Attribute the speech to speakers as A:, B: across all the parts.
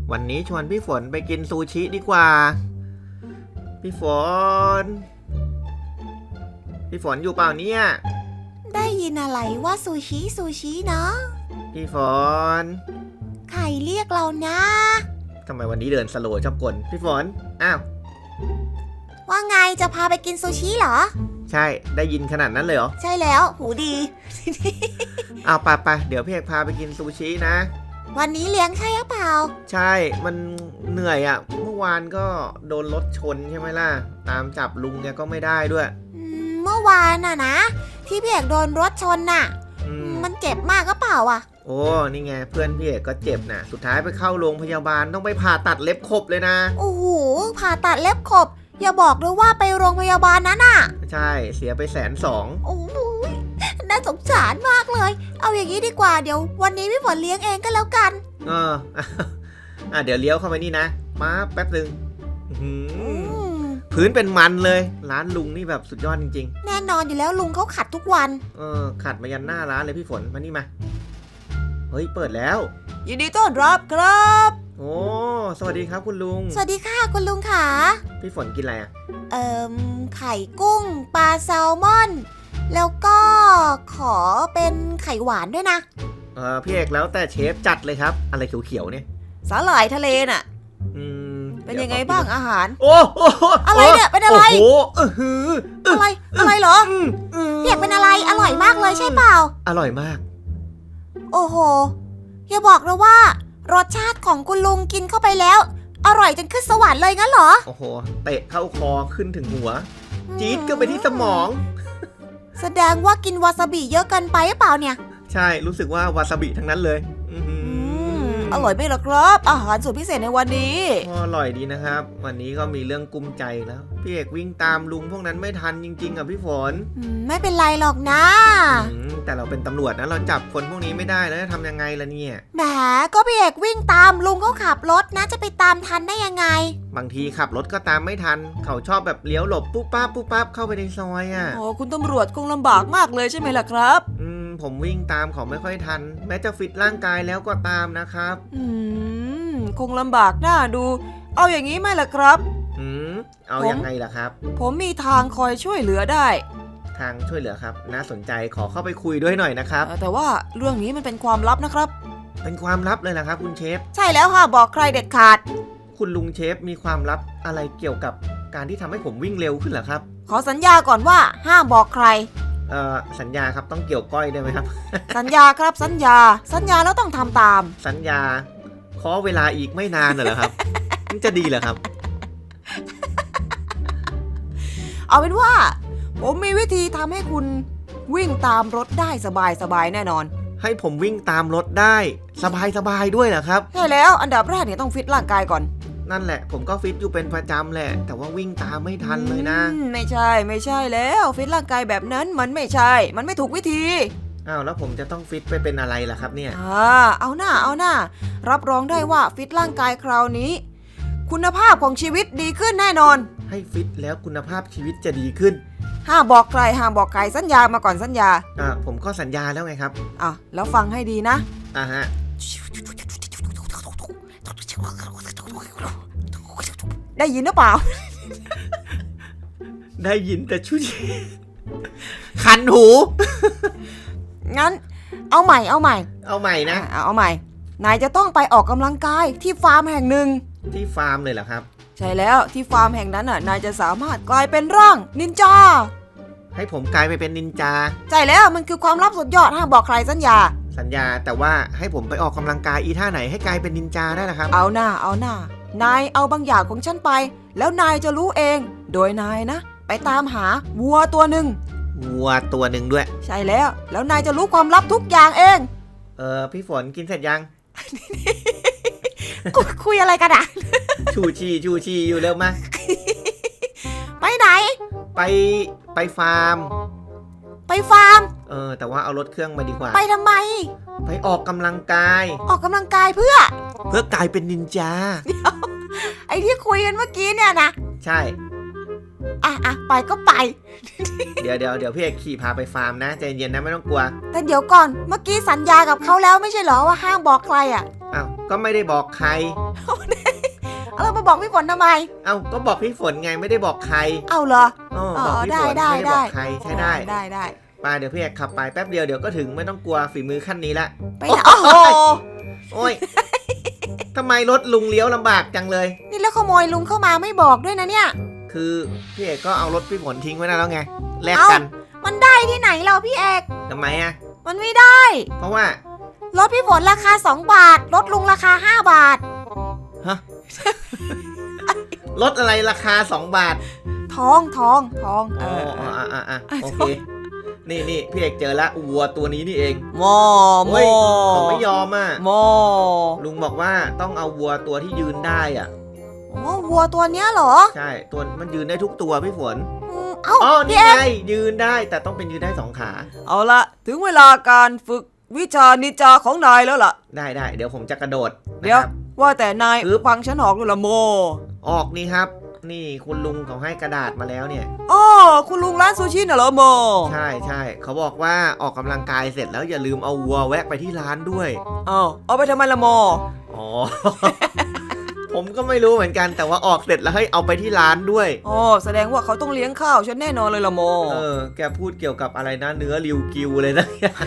A: วันนี้ชวนพี่ฝนไปกินซูชิดีกว่าพี่ฝนอยู่เปล่าเนี่ย
B: ได้ยินอะไรว่าซูชิเนาะ
A: พี่ฝน
B: ใครเรียกเรานะ
A: ทำไมวันนี้เดินสโลว์ชอบกลพี่ฝนอ้าว
B: ว่าไงจะพาไปกินซูชิเหรอ
A: ใช่ได้ยินขนาดนั้นเลยเหรอ
B: ใช่แล้วหูดี
A: เอาไปเดี๋ยวพี่เอกพาไปกินซูชินะ
B: วันนี้เลี้ยงใช่หรือเปล่า
A: ใช่มันเหนื่อยอ่ะเมื่อวานก็โดนรถชนใช่ไหมล่ะตามจับลุงแกก็ไม่ได้ด้วย
B: เมื่อวานน่ะนะที่พี่เอกโดนรถชนน่ะมันเจ็บมากก็เปล่าอ่ะ
A: โอ้นี่ไงเพื่อนพี่เอกก็เจ็บนะสุดท้ายไปเข้าโรงพยาบาลต้องไปผ่าตัดเล็บขบเลยนะ
B: โอ้โหผ่าตัดเล็บขบอย่าบอกด้วยว่าไปโรงพยาบาลนั้นน่ะ
A: ใช่เสียไป120,000
B: โอ้โหน่าสงสารมากเลยเอาอย่างนี้ดีกว่าเดี๋ยววันนี้พี่ฝนเลี้ยงเองก็แล้วกัน
A: เดี๋ยวเลี้ยวเข้าไปนี่นะมาแป๊บนึงพื้นเป็นมันเลยร้านลุงนี่แบบสุดยอดจริง
B: ๆแน่นอนอยู่แล้วลุงเขาขัดทุกวัน
A: ขัดมายันหน้าร้านเลยพี่ฝนมานี่มาเฮ้ยเปิดแล้ว
B: ยินดีต้อนรับครับ
A: โอ้สวัสดีครับคุณลุง
B: สวัสดีค่ะคุณลุงค่ะ
A: พี่ฝนกินอะไรอ่ะ
B: ไข่กุ้งปลาแซลมอนแล้วก็ขอเป็นไข่หวานด้วยนะ
A: พี่เอกแล้วแต่เชฟจัดเลยครับอะไรเขียวๆเนี่ย
B: สาหร่ายทะเลน่ะเป็นยังไงบ้างอาหาร
A: โอ้
B: อะไรเนี่ยเป็นอะไร
A: โอ้
B: อะไรเหรอพี่เอกเป็นอะไรอร่อยมากเลยใช่เปล่า
A: อร่อยมาก
B: โอ้โหอย่าบอกนะว่ารสชาติของคุณลุงกินเข้าไปแล้วอร่อยจนขึ้นสวรรค์เลยงั้นเหรอ
A: โอ้โหเตะเข้าคอขึ้นถึงหัวจี๊ดก็ไปที่สมอง
B: แสดงว่ากินวาซาบิเยอะเกินไปหรือเปล่าเนี่ย
A: ใช่รู้สึกว่าวาซาบิทั้งนั้นเลย
B: อร่อยไหมล่ะครับอาหารสุดพิเศษในวันนี้
A: อร่อยดีนะครับวันนี้ก็มีเรื่องกุมใจแล้วพี่เอกวิ่งตามลุงพวกนั้นไม่ทันจริงๆอ่ะพี่ฝน
B: ไม่เป็นไรหรอกนะ
A: แต่เราเป็นตำรวจนะเราจับคนพวกนี้ไม่ได้แล้วจะทำยังไงล่ะเนี่ย
B: แหมก็พี่เอกวิ่งตามลุงเขาขับรถนะจะไปตามทันได้ยังไง
A: บางทีขับรถก็ตามไม่ทันเขาชอบแบบเลี้ยวหลบปุ๊บปั๊บเข้าไปในซอยอ่ะ
B: โอ้คุณตำรวจคงลำบากมากเลยใช่ไหมล่ะครับ
A: ผมวิ่งตามเขาไม่ค่อยทันแม้จะฟิตร่างกายแล้วก็ตามนะครับ
B: คงลำบากน่าดูเอาอย่างนี้ไหมล่ะครับ
A: เอายังไงล่ะครับ
B: ผมมีทางคอยช่วยเหลือได้
A: ทางช่วยเหลือครับน่าสนใจขอเข้าไปคุยด้วยหน่อยนะครับ
B: แต่ว่าเรื่องนี้มันเป็นความลับนะครับ
A: เป็นความลับเลยนะครับคุณเชฟ
B: ใช่แล้วค่ะบอกใครเด็ดขาด
A: คุณลุงเชฟมีความลับอะไรเกี่ยวกับการที่ทำให้ผมวิ่งเร็วขึ้นเหรอครับ
B: ขอสัญญาก่อนว่าห้ามบอกใคร
A: สัญญาครับต้องเกี่ยวก้อยได้ไหมครับ
B: สัญญาครับสัญญาแล้วต้องทำตาม
A: สัญญาขอเวลาอีกไม่นานเหรอครับมันจะดีเหรอครับ
B: เอาเป็นว่าผมมีวิธีทำให้คุณวิ่งตามรถได้สบายแน่นอน
A: ให้ผมวิ่งตามรถได้สบายด้วยเหรอครับ
B: ใช่แล้วอันดับแรกเนี่ยต้องฟิตร่างกายก่อน
A: นั่นแหละผมก็ฟิตอยู่เป็นประจำแหละแต่ว่าวิ่งตามไม่ทันเลยนะ
B: ไม่ใช่แล้วฟิตร่างกายแบบนั้นมันไม่ใช่มันไม่ถูกวิธี
A: แล้วผมจะต้องฟิตไปเป็นอะไรล่ะครับเนี่ย
B: เอาหน้ารับรองได้ว่าฟิตร่างกายคราวนี้คุณภาพของชีวิตดีขึ้นแน่นอน
A: ให้ฟิตแล้วคุณภาพชีวิตจะดีขึ้น
B: ห้ามบอกใครสัญญามาก่อนสัญญา
A: ผมก็สัญญาแล้วไงครับ
B: แล้วฟังให้ดีนะ
A: ฮะ
B: ได้ยินหรือเปล่า
A: ได้ยินแต่ชุดคันหู
B: งั้นเอาใหม่นะ
A: เอาใหม่
B: นายจะต้องไปออกกำลังกายที่ฟาร์มแห่งหนึ่ง
A: ที่ฟาร์มเลยเหรอครับ
B: ใช่แล้วที่ฟาร์มแห่งนั้นนายจะสามารถกลายเป็นร่างนินจา
A: ให้ผมกลายไปเป็นนินจา
B: ใช่แล้วมันคือความลับสุดยอดห้ามบอกใครสัญญา
A: แต่ว่าให้ผมไปออกกำลังกายอีท่าไหนให้กลายเป็นนินจาได้ล่ะครับ
B: เอาหน้านายเอาบางอย่างของฉันไปแล้วนายจะรู้เองโดยนายนะไปตามหาวัวตัวหนึ่ง
A: ด้วย
B: ใช่แล้วนายจะรู้ความลับทุกอย่างเอง
A: พี่ฝนกินเสร็จยัง
B: คุยอะไรกันอ่ะ
A: ชูชีอยู่เร็วมา
B: ไปไหน
A: ไปฟาร์มแต่ว่าเอารถเครื่องมาดีกว่า
B: ไปทำไม
A: ไปออกกำลังกาย
B: เพื่
A: อกลายเป็นนินจา
B: เดี๋ยวไอ้ที่คุยกันเมื่อกี้เนี่ยนะ
A: ใช่
B: ไปก็ไป
A: เดี๋ยวพี่เอกขี่พาไปฟาร์มนะใจเย็นนะไม่ต้องกลัว
B: แต่เดี๋ยวก่อนเมื่อกี้สัญญากับเขาแล้วไม่ใช่เหรอว่าห้ามบอกใคร
A: พก็ไม่ได้บอกใคร
B: เรามาบอกพี่ฝนทำไม
A: เอ้าก็บอกพี่ฝนไงไม่ได้บอกใคร
B: เอาเหรอ
A: บอกพี่ฝน
B: ได้
A: ไม่ได้บอกใครใช่ได้
B: ได้
A: ไปเดี๋ยวพี่เอกขับไปแป๊บเดียวเดี๋ยวก็ถึงไม่ต้องกลัวฝีมือขั้นนี้ละ
B: ไปไหนโอ้โห
A: โอ้ยทำไมรถลุงเลี้ยวลำบากจังเลย
B: นี่แล้วขโมยลุงเข้ามาไม่บอกด้วยนะเนี่ย
A: คือพี่เอกก็เอารถพี่ฝนทิ้งไว้นั่นแล้วไงแลกกัน
B: มันได้ที่ไหนเราพี่เอก
A: ทำไมอะ
B: มันไม่ได้
A: เพราะว่าร
B: ถพี่ฝนราคา2 บาท รถลุงราคา5 บาท
A: ฮะ รถอะไรราคา2 บาท
B: ทอง
A: โอเคนี่พี่เอกเจอละวัวตัวนี้นี่เอง
B: โม
A: เฮ้ยเขาไม่ยอมอ่ะ
B: โม
A: ลุงบอกว่าต้องเอาวัวตัวที่ยืนได้อ่ะ
B: โอ้วัวตัวเนี้ยเหรอ
A: ใช่ตัวมันยืนได้ทุกตัวพี่ฝน
B: เอ้า
A: อ๋อ
B: พี่
A: นี่
B: เอก
A: ไงยืนได้แต่ต้องเป็นยืนได้2 ขา
C: เอาละถึงเวลาการฝึกวิชานินจาของนายแล้วล่ะ
A: ได้เดี๋ยวผมจะกระโดด
C: เดี๋ยว
A: นะครับ
C: ว่าแต่นายฟังฉันออกด้วยละโม
A: ออกนี่ครับ นี่คุณลุงเขาให้กระดาษมาแล้วเนี่ย
C: อ๋อคุณลุงร้านซูชิน่ะเหรอโม
A: ใช่เขาบอกว่าออกกำลังกายเสร็จแล้วอย่าลืมเอาวัวแวะไปที่ร้านด้วย
C: เอาไปทำไมละโม
A: อ๋อ ผมก็ไม่รู้เหมือนกันแต่ว่าออกเสร็จแล้วให้เอาไปที่ร้านด้วย
C: อ๋อแสดงว่าเขาต้องเลี้ยงข้าวฉันแน่นอนเลยละโม
A: แกพูดเกี่ยวกับอะไรนะเนื้อริวกิวเลยนะ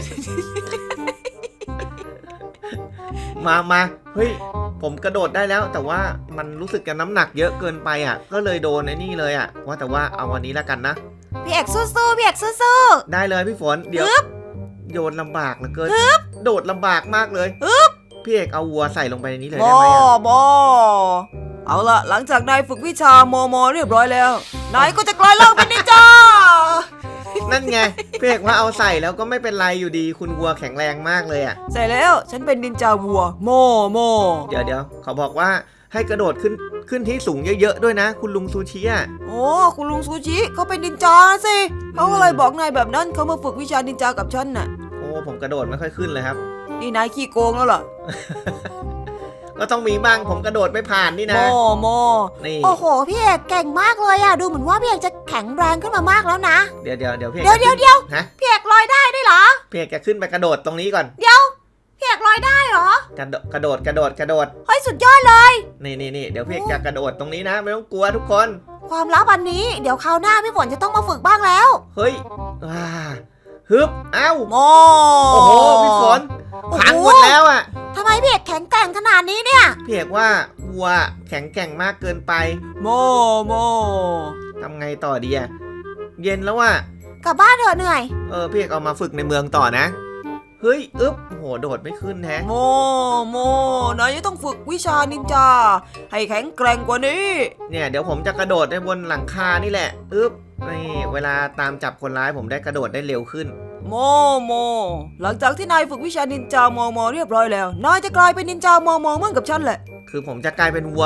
A: มาเฮ้ยผมกระโดดได้แล้วแต่ว่ามันรู้สึกจะน้ำหนักเยอะเกินไปอ่ะก็เลยโดนไอ้นี่เลยอ่ะว่าแต่ว่าเอาวันนี้แล้วกันนะ
B: พี่เอกสู้ๆพี่เอกสู้
A: ได้เลยพี่ฝนเดี๋ยวโยนลำบากเหลือเกินโดดลำบากมากเลยพี่เอกเอาวัวใส่ลงไปในนี้เลย
C: โม
A: ได้ไหมอะ
C: โมเอาละหลังจากนายฝึกวิชาโมเรียบร้อยแล้วนายก็จะกลายร่างเป็นนินจา
A: นั่นไงพี่เอกว่าเอาใส่แล้วก็ไม่เป็นไรอยู่ดีคุณวัวแข็งแรงมากเลยอ่ะ
C: ใช่แล้วฉันเป็นนินจาวัวโม
A: เดี๋ยวเขาบอกว่าให้กระโดดขึ้นที่สูงเยอะๆด้วยนะ คุณลุงซูชิอ่ะ
C: โอ้คุณลุงซูชิเขาเป็นนินจาสิเขาก็เลยบอกนายแบบนั้นเขามาฝึกวิชานินจากับฉันน่ะ
A: โอ้ผมกระโดดไม่ค่อยขึ้นเลยครับ
C: นี่นายขี้โกงแล้วล่ะ
A: ก็ต้องมีบ้างผมกระโดดไม่ผ่านนี่นะ
C: โม
A: นี่
B: ๆโอ้โหพี่เอกเก่งมากเลยอะดูเหมือนว่าพี่เอกจะแข็งแรงขึ้นมามากแล้วนะ
A: เดี๋ยวพี่
B: เดี๋ยว
A: ฮะ
B: พี่เอกลอยได้ด้วยเหรอ
A: พี่เอกจะขึ้นไปกระโดดตรงนี้ก่อน
B: พี่เอกลอยได้เหรอ
A: กระโดด
B: เฮ้ยสุดยอดเลย
A: นี่เดี๋ยวพี่เอกจะกระโดดตรงนี้นะไม่ต้องกลัวทุกคน
B: ความลับอันนี้เดี๋ยวคราวหน้าพี่ฝนจะต้องมาฝึกบ้างแล้ว
A: เฮ้ยฮึบเอ้า
C: โม
A: โอ้โหพี่ฝนพังหมดแล้วอ่ะ
B: ทำไมพี่เอกแข็งแกร่งขนาดนี้เนี่ย
A: พี่เอกว่าวัวแข็งแกร่งมากเกินไป
C: โม
A: ทำไงต่อดีอ่ะเย็นแล้วอ่ะ
B: กลับบ้านเถอะเหนื่อย
A: พี่เอกเอามาฝึกในเมืองต่อนะเฮ้ยโหโดดไม่ขึ้นแฮะ
C: โมนายจะต้องฝึกวิชานินจาให้แข็งแกร่งกว่านี้
A: เนี่ยเดี๋ยวผมจะกระโดดได้บนหลังคานี่แหละนี่เวลาตามจับคนร้ายผมได้กระโดดได้เร็วขึ้น
C: โมหลังจากที่นายฝึกวิชานินจาโมเรียบร้อยแล้วนายจะกลายเป็นนินจาโมเหมือนกับฉันแหละ
A: คือผมจะกลายเป็นวัว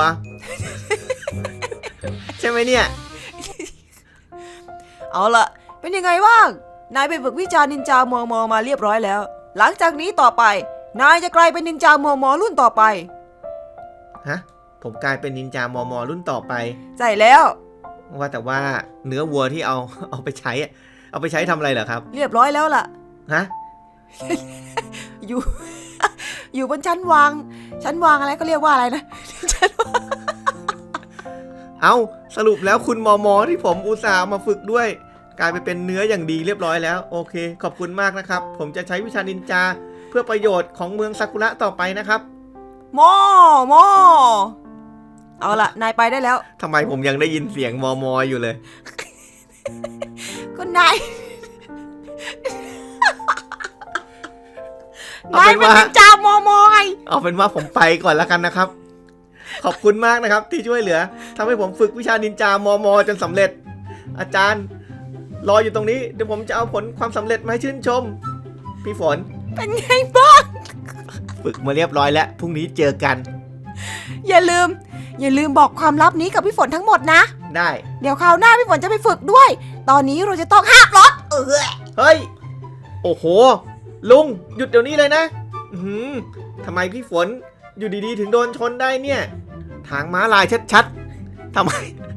A: ใช่ไหมเนี่ย
C: เอาล่ะเป็นยังไงบ้างนายไปฝึกวิชานินจาโมมาเรียบร้อยแล้ว หลังจากนี้ต่อไปนายจะกลายเป็นนินจาโมรุ่นต่อไป
A: ฮะผมกลายเป็นนินจามอรุ่นต่อไป
C: ใช่แล้ว
A: ว่าแต่ว่าเนื้อวัวที่เอาไปใช้อะเอาไปใช้ทำอะไรเหรอครับ
C: เรียบร้อยแล้วล่ะ
A: ฮะ
C: อยู่ อยู่บนชั้นวางอะไรก็เรียกว่าอะไรนะ
A: เอาสรุปแล้วคุณมอที่ผมอุตส่าห์มาฝึกด้วย กลายไปเป็นเนื้ออย่างดีเรียบร้อยแล้วโอเคขอบคุณมากนะครับผมจะใช้วิชานินจาเพื่อประโยชน์ของเมืองซากุระต่อไปนะครับ
C: โมเอาล่ะนายไปได้แล้ว
A: ทำไมผมยังได้ยินเสียงมออยู่เลย
B: ก็นาย
A: เอา
B: นาย
A: เป็น
B: เป็น
A: ว่า
B: นินจามอไง
A: เอาเป็นว่าผมไปก่อนแล้วกันนะครับ ขอบคุณมากนะครับที่ช่วยเหลือทำให้ผมฝึกวิชานินจามอจนสำเร็จ อาจารย์รออยู่ตรงนี้เดี๋ยวผมจะเอาผลความสำเร็จมาให้ชื่นชม พี่ฝน
B: เป็นไงบ้าง
A: ฝึกมาเรียบร้อยแล้วพรุ่งนี้เจอกัน
B: อย่าลืมบอกความลับนี้กับพี่ฝนทั้งหมดนะ
A: ได้
B: เดี๋ยวคราวหน้าพี่ฝนจะไปฝึกด้วย ตอนนี้เราจะต้องห้ามรถ
A: เฮ้ยโอ้โหลุงหยุดเดี๋ยวนี้เลยนะทำไมพี่ฝนอยู่ดีๆถึงโดนชนได้เนี่ยทางม้าลายชัดๆทำไม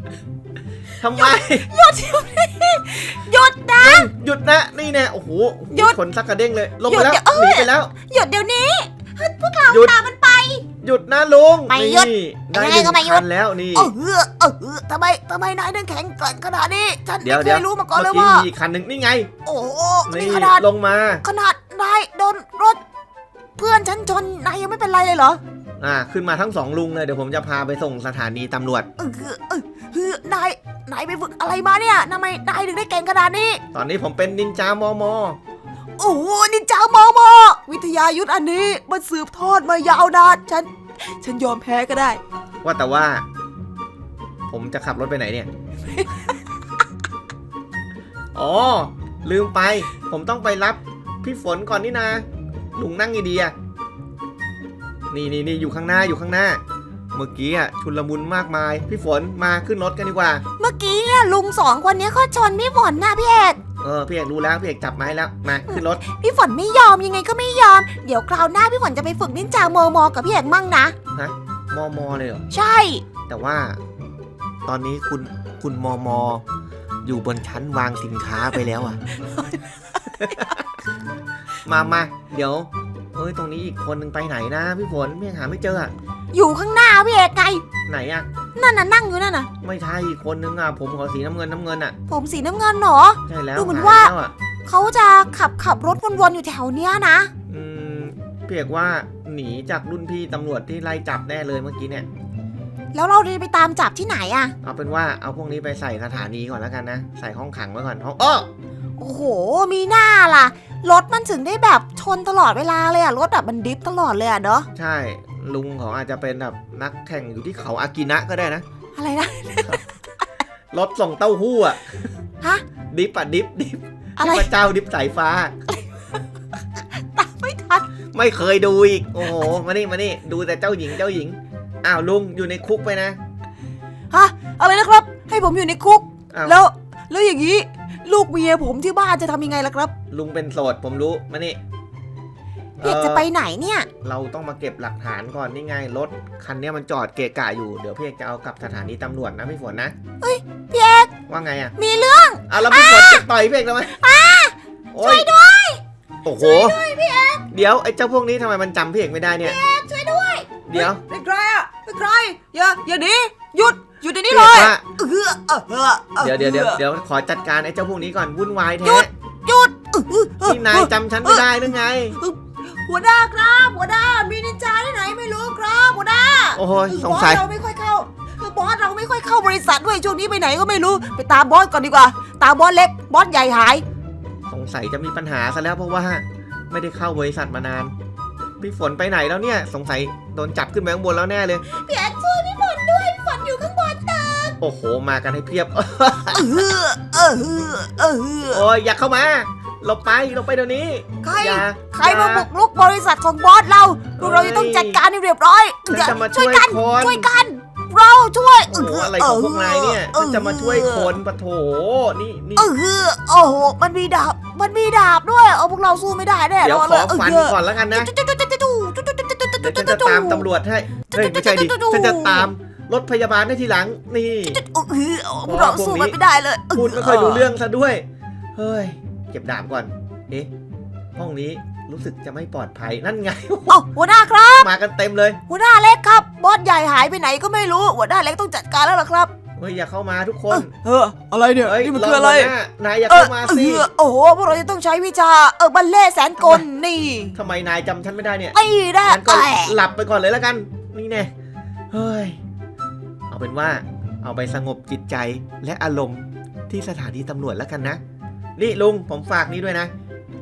B: หยุดหยุดนะ
A: หยุดนะนี่แน่โอ้โห
B: หยุด
A: ชนสักกระเด้งเลยลงไปแล้ว
B: หยุด
A: หนีไปแล้ว
B: หยุดเดี๋ยวนี้พวกเรา
A: หยุด
B: ตามมันไป
A: หหยุดนะลุง
B: ไม่หยุด
A: นี่ได้
B: ยัง
A: ห
B: ไง
A: นึ่ง
B: ก็ไม่หยุด
A: คันแล้วนี่
B: ทำไมนายถึงแข็งแกร่งขนาดนี้ฉัน
A: เดี๋ยว
B: ไม่เค
A: เดี๋ยวย
B: รู้มาก่อนเลย
A: เมื่อ
B: ว่า
A: กี้มีอีกคันหนึ่งนี่ไง
B: โอ้โห
A: นี่
B: นี่ขนาด
A: ลงมา
B: นายโดนรถ เพื่อนฉันชนนายยังไม่เป็นไรเลยเหรอ
A: ขึ้นมาทั้งสองลุงเลยเดี๋ยวผมจะพาไปส่งสถานีตำรวจ
B: นายไปฝึกอะไรมาเนี่ยทำไมนายถึงได้เก่งขนาดนี้
A: ตอนนี้ผมเป็นนินจามอมอ
B: โอ้โหนินจามอมอ
C: วิทยายุทธอันนี้มันสืบทอดมายาวนานฉันยอมแพ้ก็ได้
A: ว่าแต่ว่า ผมจะขับรถไปไหนเนี่ย อ๋อ ลืมไป ผมต้องไปรับพี่ฝนก่อนนี่นาลุงนั่งดีๆอะนี่อยู่ข้างหน้าอยู่ข้างหน้า เมื่อกี้อะชุลมุนมากมาย พี่ฝนมาขึ้นรถกันดีกว่า
B: เมื่อกี้เนี่ยลุงสองคนนี้เขาชนพี่ฝนนะพี่เอก
A: พี่เอกรู้แล้วพี่เอกจับมาให้แล้วมาขึ้นรถ
B: พี่ฝนไม่ยอมยังไงก็ไม่ยอม เดี๋ยวคราวหน้าพี่ฝนจะไปฝึกนินจามอมอกับพี่เอกมั่งนะ
A: มอมอเลยเหรอ
B: ใช่
A: แต่ว่า ตอนนี้คุณมอมออยู่บนชั้นวางสินค้าไปแล้วอ่ะ มาเดี๋ยวตรงนี้อีกคนหนึ่งไปไหนนะพี่ฝนพี่ยังหาไม่เจออะ
B: อยู่ข้างหน้าพี่เอกไง
A: ไหนอะ
B: นั่นน่ะนั่งอยู่นั่นน่ะ
A: ไม่ใช่อีกคนนึงอะผมขอสีน้ำเงินอะ
B: ผมสีน้ำเงินเหรอ
A: ใช่แล้ว
B: ดูเหมือน
A: หย
B: ว่า
A: แล้วอะ
B: เขาจะขับรถวนๆอยู่แถวเนี้ยนะ
A: อืมพี่เอกว่าหนีจากรุ่นพี่ตำรวจที่ไล่จับแน่เลยเมื่อกี้เนี่ย
B: แล้วเราจะไปตามจับที่ไหนอะ
A: เอาเป็นว่าเอาพวกนี้ไปใส่สถานีก่อนแล้วกันนะใส่ห้องขังไว้ก่อนห้อง
B: โอ้โห มีหน้าล่ะ รถมันถึงได้แบบชนตลอดเวลาเลยอะรถแบบมันดิฟตลอดเลยอะเนาะ
A: ใช่ลุงเขาอาจจะเป็นแบบนักแข่งอยู่ที่เขาอากินะก็ได้นะ
B: อะไรนะ
A: รถส่งเต้าหู้อะ
B: ฮะ
A: ดิฟอะดิฟ
B: อะไร
A: พระเจ้าดิฟสายฟ้า
B: ตามไม่ทัน
A: ไม่เคยดูอีก โอ้โห มานี่ ดูแต่เจ้าหญิง อ้าวลุงอยู่ในคุกไปนะ
C: ฮะ อะไรนะครับ ให้ผมอยู่ในคุก
A: อ้าว
C: แล้วอย่างนี้ ลูกเมียผมที่บ้านจะทำยังไงล่ะครับ
A: ลุงเป็นโสดผมรู้ มานี่
B: พี่เอกจะไปไหนเนี่ย
A: เราต้องมาเก็บหลักฐานก่อนนี่ไง รถคันนี้มันจอดเกะกะอยู่ เดี๋ยวพี่เอกจะเอากลับสถานีตำรวจนะพี่ฝนนะ
B: พี่เอก
A: ว่าไงอะ
B: มีเรื่อง
A: แล้วพี่ฝนจะต่อยพี่เอกทำไมช่วยด้วย โอ้โห เดี๋ยวไอ้เจ้าพวกนี้ทำไมมันจำพี่เอกไม่ได้เนี่ย
B: ช่วยด้วย
A: เดี๋ยว
C: เป็นใครอะเป็นใคร อย่าหนีหยุดเดี๋ยวนี้
A: พี่
C: เล
A: เอก
C: ย
A: ว่า
C: เดี๋ยว
A: เดี๋ยวขอจัดการไอ้เจ้าพวกนี้ก่อนวุ่นวายแท้
B: หยุด
A: นี่นายจำฉันไม่ได้หรือไง
C: หัวหน้าครับหัวหน้ามีนินจาที่ไหนไม่รู้ครับหัวหน้า
A: โอ้โหสงสัย
C: บอสเราไม่ค่อยเข้าบอสเราไม่ค่อยเข้าบริษัทด้วยช่วงนี้ไปไหนก็ไม่รู้ไปตามบอสก่อนดีกว่า ตามบอสเล็กบอสใหญ่หาย
A: สงสัยจะมีปัญหาซะแล้วเพราะว่าไม่ได้เข้าบริษัทมานาน พี่ฝนไปไหนแล้วเนี่ยสงสัยโดนจับขึ้นไปข้างบนแล้วแน่เลย
B: พี่เอกช่วยพี่ฝนด้วยพี่ฝนอยู่ข้างบนตึก
A: โอ้โหมากันให้เพียบ
C: เออ
A: โอ้ยอยากเข้ามาเราไปเดี๋ยวนี้
C: ใคร
A: อย่า
C: ใครมาบุกรุกบริษัทของบอสเราพวกเราจะต้องจัดการให้เรียบร้อย
A: ฉันจะมาช่วยคน
B: ช่วยกัน เราช่วย
A: โอ้โหอะไรของพวกนายเนี่ยฉันจะมาช่วยคนปะโถนี่
B: โอ้โหมันมีดาบด้วยพวกเราสู้ไม่ได้แน่
A: เดี๋ยวขอฟัน
B: เลย
A: ก่อนแล้วกันนะเดี๋ยวฉันจะตามตำรวจให้เฮ้ยไม่ใช่ดิฉันจะตามรถพยาบาลได้ทีหลังนี่
B: พวกเราสู้มันไม่ได้เลย
A: พูดไม่ค่อยรู้เรื่องซะด้วยเฮ้ยเก็บดาบก่อนเอ๊ะห้องนี้รู้สึกจะไม่ปลอดภัยนั่นไง
B: หัวหน้าครับ
A: มากันเต็มเลย
B: หัวหน้าเล็กครับบอสใหญ่หายไปไหนก็ไม่รู้หัวหน้าเล็กต้องจัดการแล้วล่ะครับ
A: เฮ้ยอย่าเข้ามาทุกคน
C: อะไรเนี่ย
A: เฮ้ย
C: นี่มันคืออะไร
A: นายอย่าเข้ามาสิ
B: โอ้โหพวกเราจะต้องใช้วิชาบัลเล่แสนกลนี่
A: ทำไมนายจำฉันไม่ได้เนี่ย
B: ไอ้ได้
A: งั้นก็หลับไปก่อนเลยแล้วกัน นี่แน่เฮ้ยเอาเป็นว่าเอาไปสงบจิตใจและอารมณ์ที่สถานีตำรวจแล้วกันนะนี่ลุงผมฝากนี้ด้วยนะ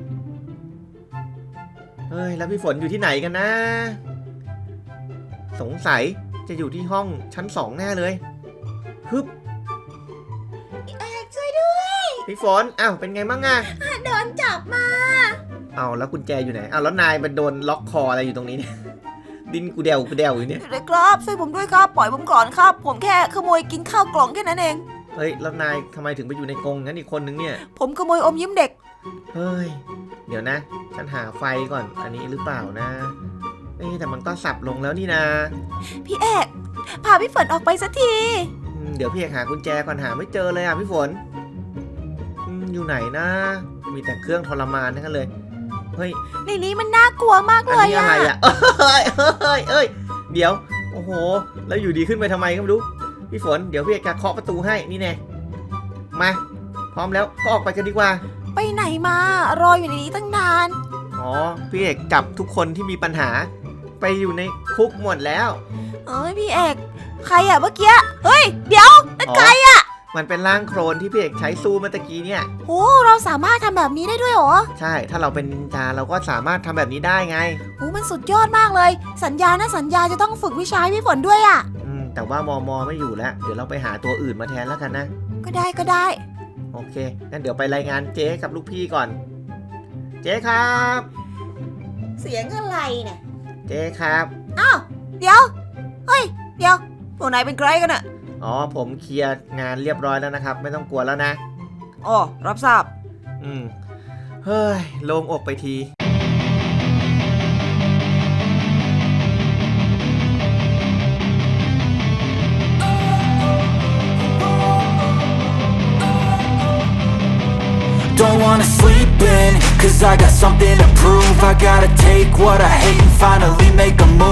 A: เฮ้ยแล้วพี่ฝนอยู่ที่ไหนกันนะ สงสัยจะอยู่ที่ห้องชั้น2แน่เลยฮึบ
B: ช่วยด้วย
A: พี่ฝนอ้าวเป็นไงบ้างอะ
B: โดนจับมา
A: เอาแล้วกุญแจอยู่ไหนเอาแล้วนายมันโดนล็อกคออะไรอยู่ตรงนี้เนี่ย ดินกูเดวอยู่เนี่ย
C: เด็กครับช่วยผมด้วยครับปล่อยผมก่อนครับ ผมแค่ขโมยกินข้าวกล่องแค่นั้นเอง
A: เฮ้ยแล้วนายทำไมถึงไปอยู่ในกรงงั้นอีกคนนึงเนี่ย
C: ผมขโมยอมยิ้มเด็ก
A: เฮ้ยเดี๋ยวนะฉันหาไฟก่อนอันนี้หรือเปล่านะแต่มันก็สับลงแล้วนี่นะ
B: พี่เอกพาพี่ฝนออกไปสักที
A: เดี๋ยวพี่เอกหากุญแจก่อนหาไม่เจอเลยอ่ะพี่ฝนอยู่ไหนนะมีแต่เครื่องทรมานทั้งนั้นเลยเฮ้ย
B: ในนี้มันน่ากลัวมาก
A: อัน
B: เลย
A: นี้อะไรอ่ะเอ้ยเดี๋ยวโอ้โหแล้วอยู่ดีขึ้นไปทำไมก็ไม่รู้พี่ฝนเดี๋ยวพี่เอกจะเคาะประตูให้นี่แน่มาพร้อมแล้วก็ออกไปกันดีกว่า
B: ไปไหนมารออยู่ในนี้ตั้งนาน
A: อ๋อพี่เอกจับทุกคนที่มีปัญหาไปอยู่ในคุกหมดแล้ว
B: เอ้ยพี่เอกใครอะเมื่อกี้เฮ้ยเดี๋ยวนั่นใครอะ
A: มันเป็นร่างโครนที่พี่เอกใช้สู้เมื่อตะกี้เนี่ย
B: โอ้เราสามารถทำแบบนี้ได้ด้วยเหรอ
A: ใช่ถ้าเราเป็นนินจาเราก็สามารถทำแบบนี้ได้ไง
B: โอ้มันสุดยอดมากเลย สัญญานะสัญญาจะต้องฝึกวิชาให้พี่ฝนด้วยอะ
A: แต่ว่ามอไม่อยู่แล้วเดี๋ยวเราไปหาตัวอื่นมาแทนแล้วกันนะ
B: ก็ได้ก็ได้
A: โอเคงั้นเดี๋ยวไปรายงานเจ๊กับลูกพี่ก่อน เจ๊ครับ
B: เสียงอะไรเนี่ย
A: เจ๊ครับ
B: อ้าวเดี๋ยวเฮ้ยเดี๋ยว
C: พวกนายเป็นใครกันอะ
A: อ๋อผมเคลียร์งานเรียบร้อยแล้วนะครับ ไม่ต้องกลัวแล้วนะ
C: อ๋อรับทราบ
A: เฮ้ยโล่งอกไปที
D: Don't wanna sleep in, cause I got something to prove. I gotta take what I hate and finally make a move.